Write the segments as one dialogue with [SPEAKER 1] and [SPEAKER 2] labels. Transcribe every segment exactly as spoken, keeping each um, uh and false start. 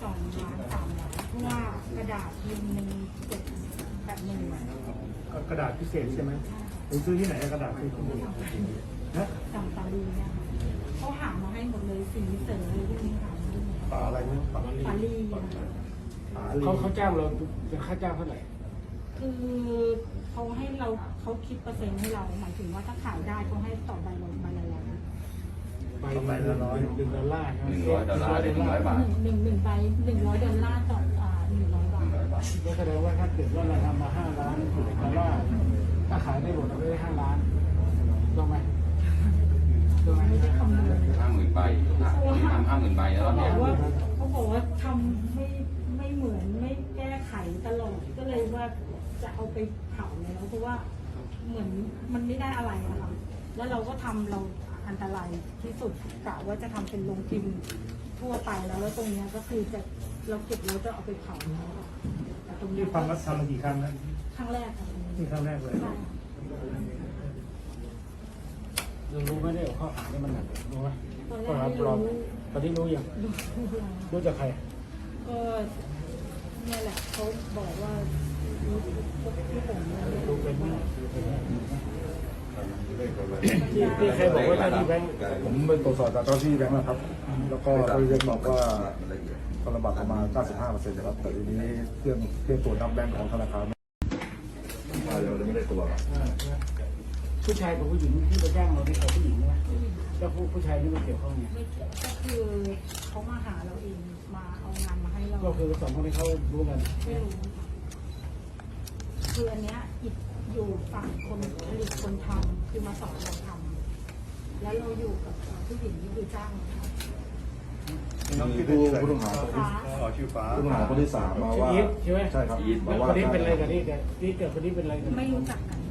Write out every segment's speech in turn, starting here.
[SPEAKER 1] องล้านสามล้านเพราะว่ากระดาษพิมพ์หนึ่งเจ็ดแบบหนึ่ง
[SPEAKER 2] กระดาษพิเศษใช่ไหมผมซื้อที่ไหนกระดาษที่นี่นะ
[SPEAKER 1] สั่งปารีเนี่ยเขาหามาให้หมดเลยสีเสริมเลยที่นี้หามาให้หมด
[SPEAKER 2] ปลาอะไรนะปลา
[SPEAKER 1] ปารี
[SPEAKER 2] ปลา
[SPEAKER 3] เขาเขาจ้างเราจะค่าจ้างเท่าไหร่
[SPEAKER 1] คือเขาให้เราเขาคิดเปอร์เซ็นต์ให้เราหมายถึงว่าถ้าขายได้เขาให้ต่อใบละใบละร้อย
[SPEAKER 3] ใบใบละร้อยหนึ่งดอลลาร์
[SPEAKER 4] หนึ่งร้อยดอลลาร์ได้หนึ่งร้อยบาท
[SPEAKER 1] หนึ่งหนึ่งหนึ่งใบหนึ่งร้อยดอลลาร์ต่ออ่าหนึ่งร้อยบาท
[SPEAKER 3] ก็แสดงว่าถ้าเกิดว่าเราทำมาห้าล้านดอลลาร์ถ้าขายได้หมดเราได้ห้าล้านถูกไหมถูกไหม
[SPEAKER 1] ไม่ได้คำนวณ
[SPEAKER 4] ห้าหมื่นใบมีทำห้าหมื่นใบแล้ว
[SPEAKER 1] เขาบ
[SPEAKER 4] เนี่
[SPEAKER 1] อย กว่าเขาบอกว่าทำไม่ไม่เหมือนไม่แก้ไขตลอดก็เลยว่าจะเอาไปเผาแล้วเพราะว่าเหมือนมันไม่ได้อะไรอะค่ะแล้วเราก็ทำเราอันตรายที่สุดกะว่าจะทำเป็นโรงพิมพ์ทั่วไปแล้วแล้วตรงเนี้ยก็คือจะเราเก็บแล้วจะเอาไปเผาแล้วแต่ตรงนี้
[SPEAKER 2] ที่ฟังว่าทำมากี่ครั้งนะ
[SPEAKER 1] ครั้งแรกค่ะ
[SPEAKER 2] นี่ครั้งแรกเลย
[SPEAKER 1] ใช่
[SPEAKER 3] เรารู้ไหมได้ข้อหานี่มันหนักรู้ไหม
[SPEAKER 1] ตอนแร
[SPEAKER 3] ข้อก หา
[SPEAKER 1] ไม่
[SPEAKER 3] ปลอม
[SPEAKER 1] รู้
[SPEAKER 3] ตอนนี้รู้ยัง
[SPEAKER 1] ดู
[SPEAKER 3] รู้จากใคร
[SPEAKER 1] ก็เนี่ยแหละเขาบอกว่ารู้ที่ผมเนี่ย
[SPEAKER 3] รู้เป็นไหมที่ที่ใครบอกว่าเจ้าที่แบงค์
[SPEAKER 5] ผมไปตรวจสอบจากเจ้าที่แบงค์นะครับ แล้วก็ได้เรียกบอกว่าธนบัตรประมาณ เก้าสิบห้าเปอร์เซ็นต์ นะครับ แต่ทีนี้เครื่องเครื่องตรวจนับแบงค์ของธนาคารเราไม่ได้ตัวครับ
[SPEAKER 3] ผู้ชายกับผู้หญิงที่ไปจ้างเราที่เขาผู้หญิงใช่ไหมแล้วผู้ผู้ชายนี่มันเกี่ยวข้องไง
[SPEAKER 1] ไม่ก็คือเขามาหาเราเองมาเอางานมาให้เรา
[SPEAKER 3] ก็คือสองคนที่เขารู้กัน
[SPEAKER 1] ไม่รู้คืออันเนี้ยอิดอยู่ฝั่งคนผลิตคนทำคือมาสอนเราทำแล้วเราอยู่กับผู้หญิงที่คือจ้างเราทำ
[SPEAKER 5] มีผู้ผู้ต้องหาคนที่
[SPEAKER 2] อ๋อชื่อฟ้า
[SPEAKER 5] ผู้ต้องหาคนที่สามมาว่า
[SPEAKER 3] อีทใช่ไหม
[SPEAKER 5] ใช่ครับ
[SPEAKER 3] อีท
[SPEAKER 5] มาว่า
[SPEAKER 3] คนนี้เป็นอะไรกันนี่แกนี่เกิดคนนี้เป็นอะไรกัน
[SPEAKER 1] ไม่รู้จักกัน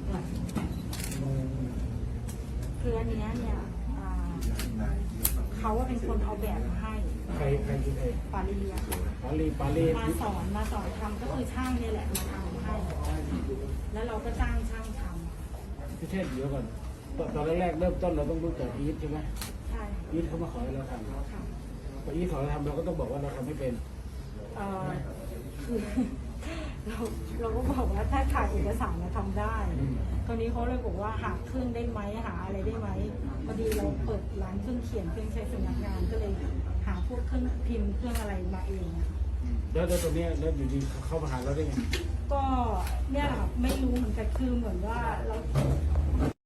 [SPEAKER 1] คืออันเนี้ยเนี่ยอ่าเขาว่าเป็นคนเอาแบบมาให้
[SPEAKER 3] ใครใครคือใคร
[SPEAKER 1] ปาลีอะ
[SPEAKER 3] ปาลีปาลี
[SPEAKER 1] มาสอนมาสอนทำก็คือช่างเนี่ยแหละมาทำให้ แล้วเราก็จ้างช่างทำ
[SPEAKER 3] พี่เทศเดี๋ยวก่อนตอนตอนแรกๆเริ่มต้นเราต้องรู้จักอีทใช่ไหม
[SPEAKER 1] ใช่
[SPEAKER 3] อีทเขามาขอให้เราทำ
[SPEAKER 1] ค่ะ
[SPEAKER 3] พออีทขอเราทำเราก็ต้องบอกว่าเราทำไม่เป็น
[SPEAKER 1] เอ่อคือ เราเราก็บอกว่าถ้าถ่ายเอกสารเราทำได้ตอนนี้เขาเลยบอกว่าหาเครื่องได้ไหมหาอะไรได้ไหมพอดีเราเปิดร้านเครื่องเขียนเครื่องใช้สำนักงานก็เลยหาพวกเครื่องพิมพ์เครื่องอะไรมาเองอะ
[SPEAKER 3] แล้วแล้วตรงนี้แล้วอยู่ดีเข้ามาหาเราได้ไง
[SPEAKER 1] ก็เนี่ยแหละค่ะไม่รู้เหมือนกันคือเหมือนว่าเรา